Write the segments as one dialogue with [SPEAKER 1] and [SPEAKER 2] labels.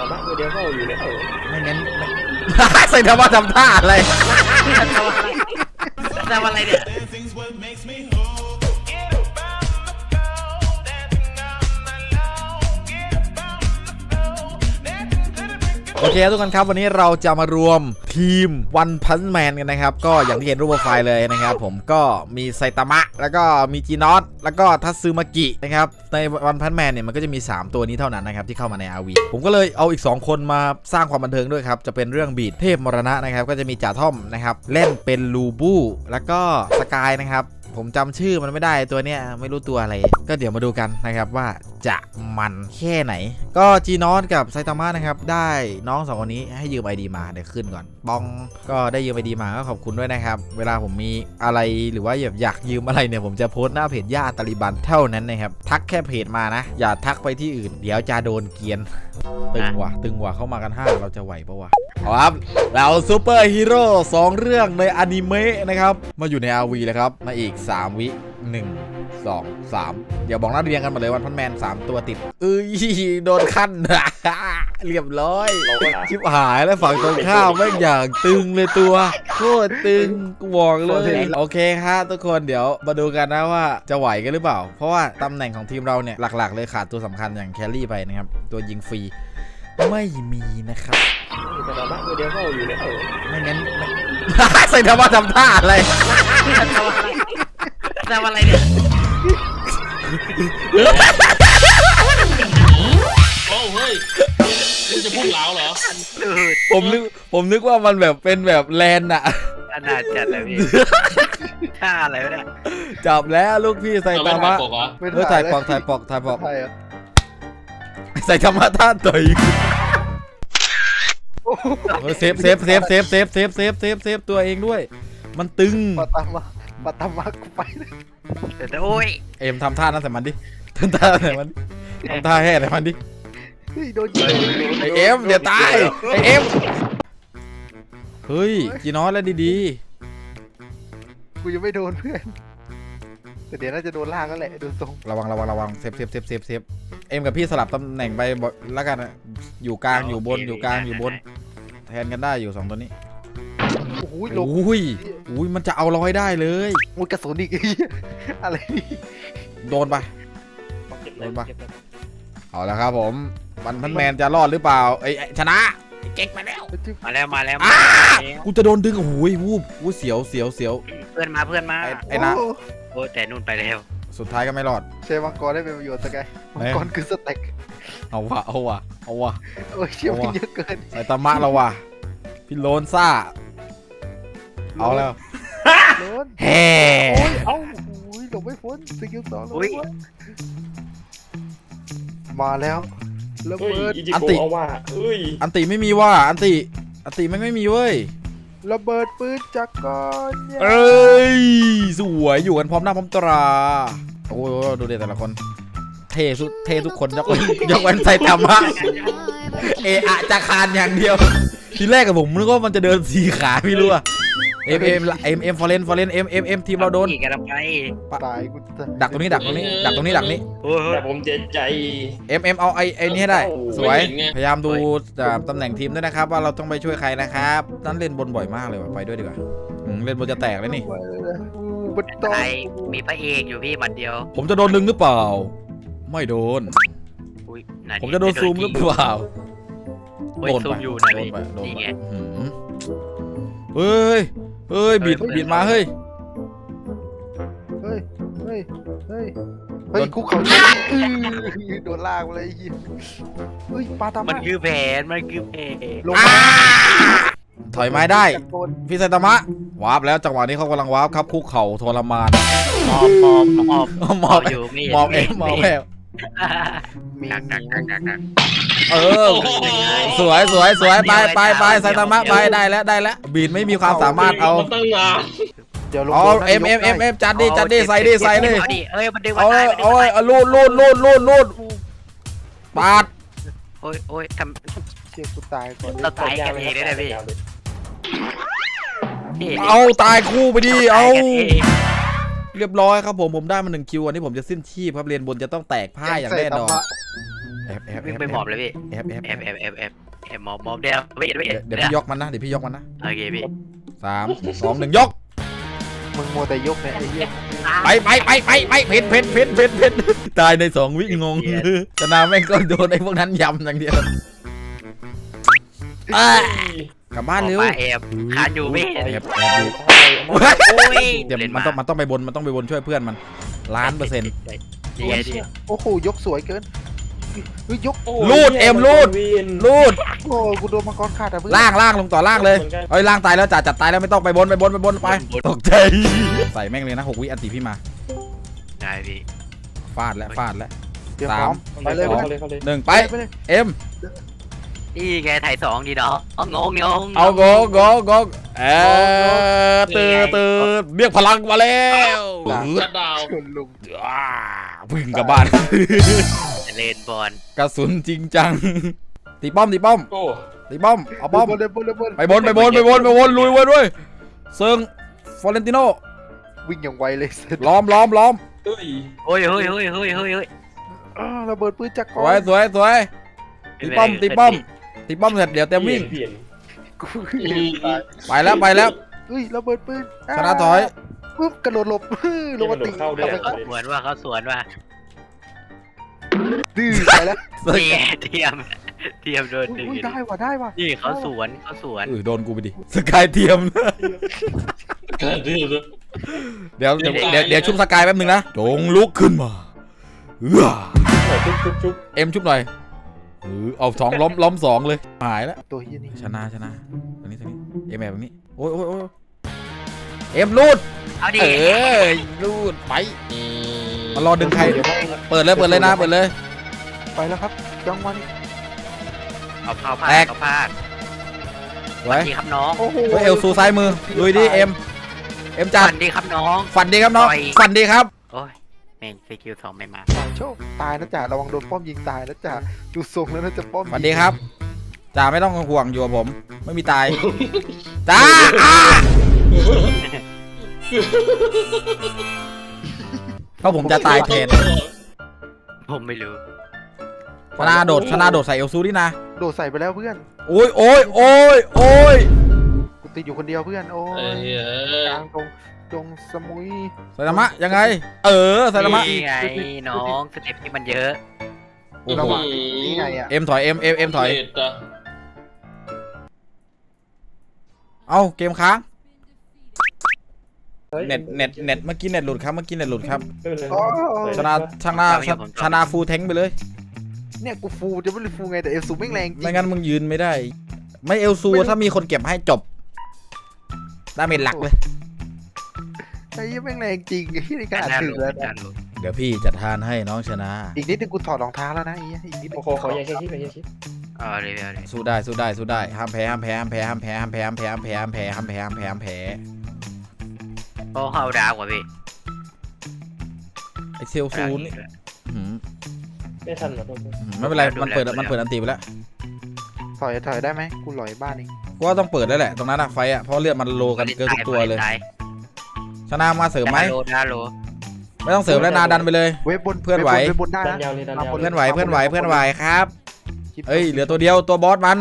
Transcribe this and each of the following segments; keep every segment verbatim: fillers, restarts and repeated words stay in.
[SPEAKER 1] ตามะตัวเดียวก็อยู่แล้ว
[SPEAKER 2] ไม่งั้นใส่ธรรมะทำท่าอะไร
[SPEAKER 3] ทำอะไรทำอะไรเนี่ย
[SPEAKER 2] โอเคทุกคนครับวันนี้เราจะมารวมทีมวันพันแมนกันนะครับก็อย่างที่เห็นรูปโปรไฟล์เลยนะครับผมก็มีไซตามะแล้วก็มีจีนอสแล้วก็ทัตซึมากินะครับในวันพันแมนเนี่ยมันก็จะมีสามตัวนี้เท่านั้นนะครับที่เข้ามาใน อาร์ วี ผมก็เลยเอาอีกสองคนมาสร้างความบันเทิงด้วยครับจะเป็นเรื่องบีดเทพมรณะนะครับก็จะมีจ่าท่อมนะครับเล่นเป็นลูบูแล้วก็สกายนะครับผมจำชื่อมันไม่ได้ตัวเนี้ยไม่รู้ตัวอะไรก็เดี๋ยวมาดูกันนะครับว่าจะมันแค่ไหนก็จีนอสกับไซตามะนะครับได้น้องสองคนนี้ให้ยืม ไอ ดี มาเดี๋ยวขึ้นก่อนบองก็ได้ยืม ไอ ดี มาก็ขอบคุณด้วยนะครับเวลาผมมีอะไรหรือว่าอยากอยากยืมอะไรเนี่ยผมจะโพสต์หน้าเพจย่าตาลิบันเท่านั้นนะครับทักแค่เพจมานะอย่าทักไปที่อื่นเดี๋ยวจะโดนเกียนตึงว่ะตึงว่ะเข้ามากันห้าเราจะไหวปะวะครับเราซูเปอร์ฮีโร่สองเรื่องในอนิเมะนะครับมาอยู่ใน อาร์ วี เลยครับมาอีกสามวิหนึ่ง สอง สามเดี๋ยวบอกหน้าเรียงกันมาเลยวันพันแมนสามตัวติดเอ้ยโดนขั้นเรียบร้อยชิบหายแล้วฝั่งตรงข้ามไม่อย่างตึงเลยตัวโคตรตึงกูบอกเลยโอเคครับทุกคนเดี๋ยวมาดูกันนะว่าจะไหวกันหรือเปล่าเพราะว่าตำแหน่งของทีมเราเนี่ยหลักๆเลยขาดตัวสำคัญอย่างแคลรี่ไปนะครับตัวยิงฟรีไม่มีนะครับ
[SPEAKER 1] ตามะตัวเดียวก็อยู่แล้ว
[SPEAKER 2] ไม่งั้นใส่ธรรมะทำท่าอะไร
[SPEAKER 3] ทำอะไรเนี่ย
[SPEAKER 4] โอ้เฮ้ยคุณจะพุ่งเหลาเหรอ
[SPEAKER 2] ผมนึกผมนึกว่ามันแบบเป็นแบบแลนด์อะ
[SPEAKER 3] ขนาดจัดเลยพี่ท่าอะไรวะเนี่ย
[SPEAKER 2] จับแล้วลูกพี่ใส่ธรรมะ
[SPEAKER 1] ไม่
[SPEAKER 2] ถ่ายปอกถ่ายปอกถ่ายปอกใส่ธรรมะท่าต่อยเซฟเซฟเซฟเซฟเซฟเซฟเซฟเซฟเซฟตัวเองด้วยมันตึง
[SPEAKER 1] ปาตามะปาตามะกูไปเลย
[SPEAKER 3] แต่โอ้ย
[SPEAKER 2] เอ็มทำท่านั้นใส่มันดิทำท่าใส่มันทำท่าแห่ใส่มันดิ
[SPEAKER 1] โดนยิง
[SPEAKER 2] ไอเอ็มเดี๋ยวตายไอเอ็มเฮ้ยจีนอสแล้วดี
[SPEAKER 1] ๆกูยังไม่โดนเพื่อนแต่เดี๋ยวน่าจะโดนล่างก็แหละโดนตรง
[SPEAKER 2] ระวังระวังระวังเซฟเซฟเซฟเซฟเซฟเอ็มกับพี่สลับตำแหน่งไปแล้วกันอยู่กลางอยู่บนอยู่กลางอยู่บนแทนกันได้อยู่สองตัวนี้
[SPEAKER 1] โอ้ย
[SPEAKER 2] โอ้ยโอ้ยมันจะเอาเราให้ได้เลย
[SPEAKER 1] โอ้ยกระสุนอีกอะไรนี่
[SPEAKER 2] โดนไปโดนไปเอาละครับผมวันพันแมนจะรอดหรือเปล่าไอ้ชนะเก๊กมาแล้ว
[SPEAKER 3] มาแล้วมาแล้ว
[SPEAKER 2] กูจะโดนดึงโอ้ยวูบวูบเสียวเสียวเสียว
[SPEAKER 3] เพื่อนมาเพื่อนมา
[SPEAKER 2] ไอ้นะ
[SPEAKER 3] โอ้แต่นู่นไปแล้ว
[SPEAKER 2] สุดท้ายก็ไม่รอด
[SPEAKER 1] ใช้มังกรได้เป็นประโยชน์สักไงมังกรคือสเต็ก
[SPEAKER 2] เอาวะเอาวะเอาวะ
[SPEAKER 1] โอ้ยเชี่ยวเยอะเกิน
[SPEAKER 2] ไอ้ตามะเราวะพี่โลนซ่าเอาแล้ว
[SPEAKER 1] โลน
[SPEAKER 2] แฮ่
[SPEAKER 1] เอ้าโอ้ยหลบไม่พ้นสกิลสองเลยมาแล้วระเบิด
[SPEAKER 2] อันติอันติไม่มีว่าอันติอันติไม่ไม่มีเว้ย
[SPEAKER 1] ระเบิดปืนจักรกล
[SPEAKER 2] เอ้ยสวยอยู่กันพร้อมหน้าพร้อมตราโอ้ดูเด็ดแต่ละคนเท่สุดเท่ทุกคนยกเว้นยกเว้นไซตามะเออะจะคานอย่างเดียวทีแรกกับผมนึกว่ามันจะเดินสี่ขาพี่รู้อะเอ็มเอ็มเอ็มเอ็มฟอร์เรนฟอร์เรนเอ็มเอ็มเอ็มทีมเราโดน
[SPEAKER 3] ตาย
[SPEAKER 1] กู
[SPEAKER 2] ดักตรงนี้ดักตรงนี้ดักตรงนี้ดักนี้
[SPEAKER 4] แต่ผมเจ็บใจ
[SPEAKER 2] เอ็มเอ็มเอาไอ้ไอ้นี่ให้ได้สวยพยายามดูตำแหน่งทีมด้วยนะครับว่าเราต้องไปช่วยใครนะครับนั่นเล่นบนบ่อยมากเลยว่ะไปด้วยดีกว่าเล่นบนจะแตกเลยนี่
[SPEAKER 3] ไอมีพระเอกอยู่พี่หมัดเดียว
[SPEAKER 2] ผมจะโดนดึงหรือเปล่าไม่โดนผมจะโดนซูมหรือเปล่า
[SPEAKER 3] โดนไปอยู่นะนี่ไง
[SPEAKER 2] เฮ้ยเฮ้ยบิดบิดมาเฮ้ย
[SPEAKER 1] เฮ้ยเฮ้ยเฮ้ยเฮ้ยคุกเขาโดนลากเลยเฮ้ยปาตามะ
[SPEAKER 3] มันคือแผนมันคือแผน
[SPEAKER 2] ถอยไม้ได้พี่ไซตามะวาร์ปแล้วจังหวะนี้เขากำลังวาร์ปครับคุกเข่าทรมาน
[SPEAKER 3] มอบมอบมอบ
[SPEAKER 2] มอบอยู่มอบเองมอบแอบเออสวยสวยสวยไปไปไปไซตามะไปได้แล้วได้แล้วบีดไม่มีความสามารถเอาเอาเอ็มเอ็มเอ็มเอ็มจัดดิจัดดิใส่ดิใส่เลยเอาเอาเอาลูดลูดลูดลูดลูดปาด
[SPEAKER 3] โอ้ยโอ้ยท
[SPEAKER 1] ำเชี่ยกูตายก่อน
[SPEAKER 3] เราตายกันเองได้เลยพี่
[SPEAKER 2] เอาตายคู่ไปดิเอาเรียบร้อยครับผมผมได้มาหนึ่งคิวอันนี้ผมจะสิ้นชีพครับเรียนบนจะต้องแตกพ่ายอย่างแน่นอนแอบแอบแอ
[SPEAKER 3] วิ่ง
[SPEAKER 2] บ
[SPEAKER 3] ไปหมอบเลยพี่
[SPEAKER 2] แอบแอบ
[SPEAKER 3] แอ
[SPEAKER 2] แอ
[SPEAKER 3] บบ แอบแอบแอบแอบหมอบหมอบเดียวไม่เห็นไม่เห็น
[SPEAKER 2] เดี๋ยวพี่ยกมันนะเดี๋ยวพี่ยกมันนะ
[SPEAKER 3] โอเคพี่
[SPEAKER 2] สามสองหนึ่งยก
[SPEAKER 1] มึงมัวแต่ยกเนี่ยไอ้เหี้ย
[SPEAKER 2] ไปไปไปไปไปเพนเพนเพนเพนเพนตายในสองวิงงชนะแม่งก็โดนไอ้พวกนั้นยำอย่างเดียวอ่ะกลับบ้านเร็ว
[SPEAKER 3] ออกมาแอบคานอยู่ไม่เห็น
[SPEAKER 2] แอบแอบอยู่
[SPEAKER 3] โอ้ย
[SPEAKER 2] เดี๋ยวมันต้องมันต้องไปบนมันต้องไปบนช่วยเพื่อนมันล้านเปอร์เซ็นต์
[SPEAKER 3] ดีไงดี
[SPEAKER 1] โอ้โหยกสวยเกินเฮ้ยยก
[SPEAKER 2] ลูดเอ็มลูดลูด
[SPEAKER 1] โอ้กูโดนมังกรขาดอ่ะเพื่อน
[SPEAKER 2] ล่างล่างลงต่อล่างเลยเอ้ยล่างตายแล้วจ่าจัดตายแล้วไม่ต้องไปบนไปบนไปบนไปตกใจใส่แม่งเลยนะหกวิอันติพี่มา
[SPEAKER 3] ได้พี่
[SPEAKER 2] ฟาดแล้วฟาดแล้ว
[SPEAKER 1] เดี๋ยวพร้อมไปเลย
[SPEAKER 2] สอง
[SPEAKER 1] ไปเลย
[SPEAKER 2] หนึ่งไป
[SPEAKER 1] ไปเลย
[SPEAKER 2] เอ็ม
[SPEAKER 3] นี่ไงถ่ายสองดีเนาะเอางงงง
[SPEAKER 2] เอาโกโกโกเออตื่นตื่นเรียกพลังมาแล้ว
[SPEAKER 4] ชัดดาว
[SPEAKER 1] ชนลุง
[SPEAKER 2] อ่าวิ่งกลับบ้าน
[SPEAKER 3] เล่นบอล
[SPEAKER 2] กระสุนจริงจังตีป้อมตีป้อม
[SPEAKER 4] โอ้
[SPEAKER 2] ตีป้อมเอาป้อม
[SPEAKER 1] บนเลยบนเลยบน
[SPEAKER 2] ไปบนไปบนไปบนไปบนลุยไว้ด้วยเซิงฟอเรนติโน
[SPEAKER 1] วิ่งอย่างไวเลยเสร็จ
[SPEAKER 2] ล้อมล้อมล้อม
[SPEAKER 4] เอ้ย
[SPEAKER 3] เฮ้ยเฮ้ยเฮ้ยเฮ้ยเฮ้ยเฮ้ย
[SPEAKER 1] อ้าวระเบิดปืนจักร
[SPEAKER 2] สวยสวยสวยตีป้อมตีป้อมตีป้อมเสร็จเดี๋ยวเต็มวิ่ง
[SPEAKER 4] เปลี่ยน
[SPEAKER 1] กู
[SPEAKER 2] ไปแล้วไปแล้ว
[SPEAKER 1] เฮ้ยระเบิดปืน
[SPEAKER 2] ชนะถอย
[SPEAKER 1] ปุ๊บกระโดดหลบลงมาตี
[SPEAKER 4] เข้าด้วย
[SPEAKER 3] เหมือนว่าเขาสวนว่า
[SPEAKER 1] ดื้อไปแล้ว
[SPEAKER 2] เซิง
[SPEAKER 3] เทียมเทียมโดนดึง
[SPEAKER 1] อุ้ยได้ว่ะได้ว่ะ
[SPEAKER 3] นี่เขาสวนเขาสวน
[SPEAKER 2] เออโดนกูไปดิสกายเทียม
[SPEAKER 4] เกิดดื้อเลย
[SPEAKER 2] เดี๋ยวเดี๋ยวเดี๋ยวเดี๋ยวชุบสกายแป๊บนึงนะจงลุกขึ้นมาเอื้อ
[SPEAKER 4] ชุบชุบชุบ
[SPEAKER 2] เอ็มชุบหน่อยเออเอาสองล้อมล้อมสองเลยหายแล้ว
[SPEAKER 1] ตัวเฮียนี่
[SPEAKER 2] ชนะชนะตรงนี้ตรงนี้เอ็มแบบนี้โอ้ยโอ้ยโอ้ยเอ็มรูด
[SPEAKER 3] เอาดิ
[SPEAKER 2] เออรูดไปมารอดึงใครเปิดเลยเปิดเลยนะเปิดเลย
[SPEAKER 1] ไปแล้วครับจังหวะนี้
[SPEAKER 3] เอาเข้าพลา
[SPEAKER 2] แต
[SPEAKER 3] ด
[SPEAKER 2] ก
[SPEAKER 3] เอาพลาด
[SPEAKER 2] ไว้
[SPEAKER 3] ดีครับน้อง
[SPEAKER 1] โอ้โห
[SPEAKER 2] เฮ้ยเอลซูซ้ายมือลุยดิเอ็มเอ็มจัด
[SPEAKER 3] ฝันดีครับน้อง
[SPEAKER 2] ฝันดีครับน้อง
[SPEAKER 3] ต่อย
[SPEAKER 2] ฝันดีครับ
[SPEAKER 3] โอ้ยแม่งสกิลสองไม่มา
[SPEAKER 1] โชคตายนะจ่าระวังโดนป้อมยิงตายนะจ่าดูทรงแล้วน่าจะป้อมยิง
[SPEAKER 2] ฝันดีครับจ่าไม่ต้องห่วงอยู่กับผม ไม่มีตายจ้าอ่าเพราะผมจะตายแทน
[SPEAKER 3] ผมไม่รู้
[SPEAKER 2] ชนะโดดชนะโดดใส่เอลซูดินะ
[SPEAKER 1] โดดใส่ไปแล้วเพื่อน
[SPEAKER 2] โอ้ยโอ้ยโอ้ยโอ้ย
[SPEAKER 1] กูติดอยู่คนเดียวเพื่อนโอ้
[SPEAKER 4] เอ้
[SPEAKER 1] ย
[SPEAKER 4] ยเอ้
[SPEAKER 1] ก
[SPEAKER 4] ย
[SPEAKER 1] ลางตรงตรงสมุย
[SPEAKER 2] ไซตามะยังไง เออไซตามะ
[SPEAKER 3] นี่ไงน้องสเต็ปที่มันเยอะ
[SPEAKER 2] โอ้โห
[SPEAKER 1] ระหว่างนี่ไงอ่ะ
[SPEAKER 2] เอ็มถอยเอ็มเอ็มเอ็มถอย
[SPEAKER 4] เลดอะ
[SPEAKER 2] เอ้าเกมค้างเน็ตเน็ตเน็ตเมื่อกี้เน็ตหลุดครับเมื่อกี้เน็ตหลุดครับ
[SPEAKER 1] อ๋อ
[SPEAKER 2] ชนะชนะชนะฟูลแทงไปเลย
[SPEAKER 1] เนี่ยกูฟูจะไม่รู้ฟูไงแต่เอลซูไม่งแรงจริง
[SPEAKER 2] ไม่งั้นมึงยืนไม่ได้ ไม่เอลซูถ้ามีคนเก็บให้จบดาเมจหลักเลย
[SPEAKER 1] ไอ้เหี้ยังแม่งแรงจริงไอ้ที่ในการถึงแล้วนะ
[SPEAKER 2] เดี๋ยวพี่จัดทานให้น้องชนะ
[SPEAKER 1] อีกนิดนึงกูถอดรองเท้าแล้วนะไอ้เหี้ยอีกนิดนึ
[SPEAKER 5] โอ้
[SPEAKER 1] ง
[SPEAKER 5] โหขออย่าแค่คิดไปอย่าคิด
[SPEAKER 3] เอาเลยเอาเลย
[SPEAKER 2] สู้ได้สู้ได้สู้ได้ห้ามแพ้ห้ามแพ้ห้ามแพ้ห้ามแพ้ห้ามแพ้ห้ามแพ้ห้ามแพ้ห้ามแพ้ห้ามแพ้ห้ามแพ้ห้ามแพ้
[SPEAKER 3] โอ้เข้าดาวกว่าพี่
[SPEAKER 2] ไอเซลซูนี่อื้อหือ
[SPEAKER 5] ไม่ทันหรอก
[SPEAKER 2] อื้อหือไม่เป็นไรมันเปิดมันเปิดอันตีไปแล้ว
[SPEAKER 1] ถอยถอยได้ไหมกูหลอยบ้านเอง
[SPEAKER 2] กูว่าต้องเปิดแล้วแหละตรงนั้นอะไฟอะเพราะเลือดมันโลกันเกินทุกตัวเลย
[SPEAKER 3] ตาย
[SPEAKER 2] ชนะมาเสริมไหม
[SPEAKER 3] ดาโลดาโล
[SPEAKER 2] ไม่ต้องเสริมแล้วนาดันไปเลย
[SPEAKER 1] เว็บบน
[SPEAKER 2] เพื่อนไหว
[SPEAKER 1] เว็บบนได้
[SPEAKER 5] ดัน
[SPEAKER 1] นะ
[SPEAKER 5] ยาวเลยดันยาว
[SPEAKER 2] เพื่อนไหวเพื่อนไหวเพื่อนไหวครับ
[SPEAKER 1] คลิป
[SPEAKER 2] เอ้ยเหลือตัวเดียวตัวบอสมัน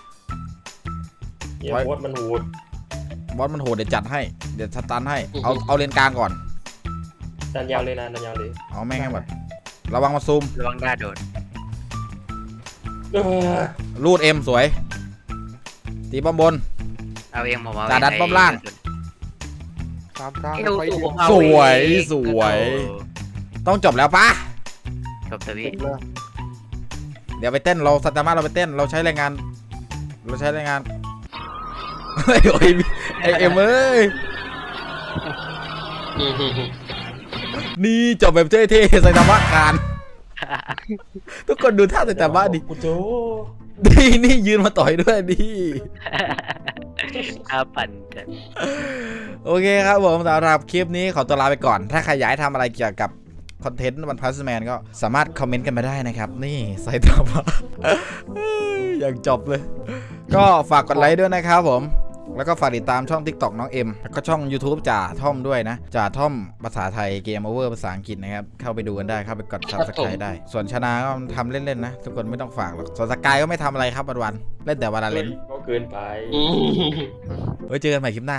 [SPEAKER 5] เยี่ยมวดมันหูด
[SPEAKER 2] บอสมันโหดเดี๋ยวจัดให้เดี๋ยวสตันให้เอาเอาเลนกลางก่อน
[SPEAKER 5] ดันยาวเลยนะดันยาวเลย
[SPEAKER 2] เอาแม่งให้หมดระวังมาซูม
[SPEAKER 3] ระวังดาโดด
[SPEAKER 5] เออ
[SPEAKER 2] รูดเอ็มสวยตีป้อมบน
[SPEAKER 3] เอาเองผมเอา
[SPEAKER 2] จ่าดันป้อมล่าง
[SPEAKER 1] ตามทาง
[SPEAKER 3] เอว
[SPEAKER 1] ไฟ
[SPEAKER 3] สู
[SPEAKER 1] เดียว
[SPEAKER 3] งเอา
[SPEAKER 2] สวย
[SPEAKER 3] เอง
[SPEAKER 2] สวย ต้องจบแล้วปะ
[SPEAKER 3] จบเถอะพี่
[SPEAKER 1] เลย
[SPEAKER 2] เดี๋ยวไปเต้นเราสัตมาเราไปเต้นเราใช้แรงงาน เราใช้แรงงานเฮ้ยโอ้ยไอเอ็มเอ้ยนี่จบแบบเท่ๆใส่ตามะคานทุกคนดูท่าใส่ตามะดิ
[SPEAKER 5] กูโจ
[SPEAKER 2] นี่นี่ยืนมาต่อยด้วยดิ
[SPEAKER 3] อาปั่นจัด
[SPEAKER 2] โอเคครับผมสำหรับคลิปนี้ขอตัวลาไปก่อน ถ้าใครอยากให้ทำอะไรเกี่ยวกับคอนเทนต์วันพัสแมนก็สามารถคอมเมนต์กันมาได้นะครับ นี่ใส่ตามะอย่างจบเลย ก็ฝากกดไลค์ด้วยนะครับผมแล้วก็ฝากติดตามช่อง TikTok น้องเอ็มแล้วก็ช่อง YouTube จ่าท่อมด้วยนะจ่าท่อมภาษาไทยเกมโอเวอร์ภาษาอังกฤษนะครับเข้าไปดูกันได้เข้าไปกด Subscribe ได้ ส่วนชนะก็ทำเล่นๆนะทุกคนไม่ต้องฝากหรอกส่วนสกายก็ไม่ทำอะไรครับวันๆเล่นแต่วันละเล่น
[SPEAKER 5] ก็เกินไป
[SPEAKER 4] อืม
[SPEAKER 2] ไว้เจอกันใหม่คลิปหน้า